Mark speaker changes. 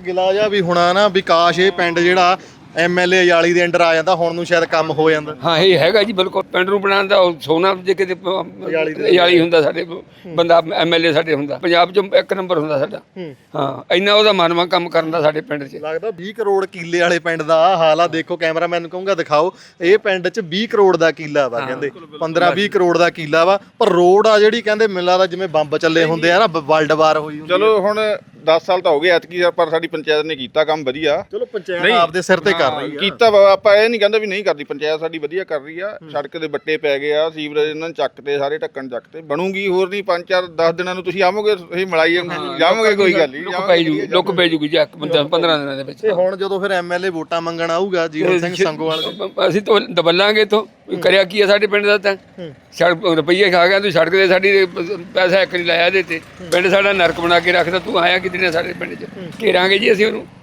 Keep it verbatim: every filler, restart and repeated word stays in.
Speaker 1: ਗਿਲਾ ਜਿਹਾ ਵੀ ਹੋਣਾ ਨਾ ਵੀ ਕਾਸ਼ ਇਹ ਪਿੰਡ ਜਿਹੜਾ ਐਮ ਐਲ ਏ ਅਯਾਲੀ ਦੇ ਅੰਡਰ ਆ ਜਾਂਦਾ ਹੁਣ ਨੂੰ ਸ਼ਾਇਦ ਕੰਮ ਹੋ ਜਾਂਦਾ।
Speaker 2: ਹਾਂ ਇਹ ਹੈਗਾ ਜੀ ਬਿਲਕੁਲ ਪਿੰਡ ਨੂੰ ਬਣਾਉਣ ਦਾ ਉਹ ਸੋਨਾ ਜੇ ਕਿਤੇ ਅਯਾਲੀ ਹੁੰਦਾ ਸਾਡੇ ਬੰਦਾ ਐਮ ਐਲ ਏ ਸਾਡੇ ਹੁੰਦਾ ਪੰਜਾਬ 'ਚ ਇੱਕ ਨੰਬਰ ਹੁੰਦਾ ਸਾਡਾ। ਹਾਂ ਇੰਨਾ ਉਹਦਾ ਮਨਵਾ ਕੰਮ ਕਰਨ ਦਾ ਸਾਡੇ ਪਿੰਡ 'ਚ।
Speaker 1: ਲੱਗਦਾ ਵੀਹ ਕਰੋੜ ਕਿੱਲੇ ਵਾਲੇ ਪਿੰਡ ਦਾ ਆਹ ਹਾਲ ਆ। ਦੇਖੋ ਕੈਮਰਾਮੈਨ ਨੂੰ ਕਹੂੰਗਾ ਦਿਖਾਓ, ਇਹ ਪਿੰਡ 'ਚ ਵੀਹ ਕਰੋੜ ਦਾ ਕਿੱਲਾ ਵਾ, ਕਹਿੰਦੇ ਪੰਦਰਾਂ ਵੀਹ ਕਰੋੜ ਦਾ ਕਿੱਲਾ ਵਾ, ਪਰ ਰੋਡ ਆ ਜਿਹੜੀ ਕਹਿੰਦੇ ਮੈਨੂੰ ਲੱਗਦਾ ਜਿਵੇਂ ਬੰਬ ਚੱਲੇ ਹੁੰਦੇ ਆ ਨਾ, ਵਰਲਡ ਵਾਰ ਹੋਈ ਹੁੰਦੀ।
Speaker 3: ਚਲੋ ਹੁਣ ਦਸ ਸਾਲ ਤਾਂ ਹੋ ਗਏ ਐਤਕੀ, ਪਰ ਸਾਡੀ ਪੰਚਾਇਤ ਨੇ ਕੀਤਾ ਕੰਮ ਵਧੀਆ।
Speaker 1: ਚਲੋ ਪੰਚਾਇਤ ਆਪਦੇ ਸਿਰ ਤੇ ਕਰ ਰਹੀ ਆ,
Speaker 3: ਕੀਤਾ ਵਾ, ਆਪਾਂ ਇਹ ਨਹੀਂ ਕਹਿੰਦੇ ਵੀ ਨਹੀਂ ਕਰਦੀ। ਪੰਚਾਇਤ ਸਾਡੀ ਵਧੀਆ ਕਰ ਰਹੀ ਆ। ਸੜਕ ਦੇ ਬੱਟੇ ਪੈ ਗਏ ਆ, ਸੀਵਰੇਜ ਇਹਨਾਂ ਨੇ ਚੱਕਤੇ, ਸਾਰੇ ਢੱਕਣ ਚੱਕਤੇ, ਬਣੂਗੀ। ਹੋਰ ਨਹੀਂ ਪੰਜ ਚਾਰ ਦਸ ਦਿਨਾਂ ਨੂੰ ਤੁਸੀਂ ਆਵੋਗੇ, ਤੁਸੀਂ ਮਲਾਈ ਜਾਵੋਗੇ, ਕੋਈ ਗੱਲ ਨਹੀਂ।
Speaker 2: ਲੁੱਕ ਪੈ ਜੂਗੀ ਲੁੱਕ ਪੈ ਜੂਗੀ ਜੀ ਪੰਦਰਾਂ ਦਿਨਾਂ ਦੇ ਵਿੱਚ।
Speaker 1: ਤੇ ਹੁਣ ਜਦੋਂ ਫਿਰ ਐਮ ਐਲ ਏ ਵੋਟਾਂ ਮੰਗਣ ਆਊਗਾ ਜੀਵਨ ਸਿੰਘ ਸੰਗੋਵਾਲ,
Speaker 2: ਅਸੀਂ ਤਾਂ ਦਬਲਾਂਗੇ ਇੱਥੋਂ। ਕਰਿਆ ਕੀ ਆ ਸਾਡੇ ਪਿੰਡ ਦਾ? ਤਾਂ ਸੜਕ ਰੁਪਈਏ ਖਾ ਗਿਆ ਤੂੰ, ਸੜਕ ਦੇ ਸਾਡੀ ਪੈਸਾ ਇੱਕ ਨਹੀਂ ਲਾਇਆ ਇਹਦੇ ਤੇ। ਪਿੰਡ ਸਾਡਾ ਨਰਕ ਬਣਾ ਕੇ ਰੱਖਦਾ, ਤੂੰ ਆਇਆ ਕਿਤੇ ਨੇ ਸਾਡੇ ਪਿੰਡ 'ਚ। ਘੇਰਾਂਗੇ ਜੀ ਅਸੀਂ ਉਹਨੂੰ।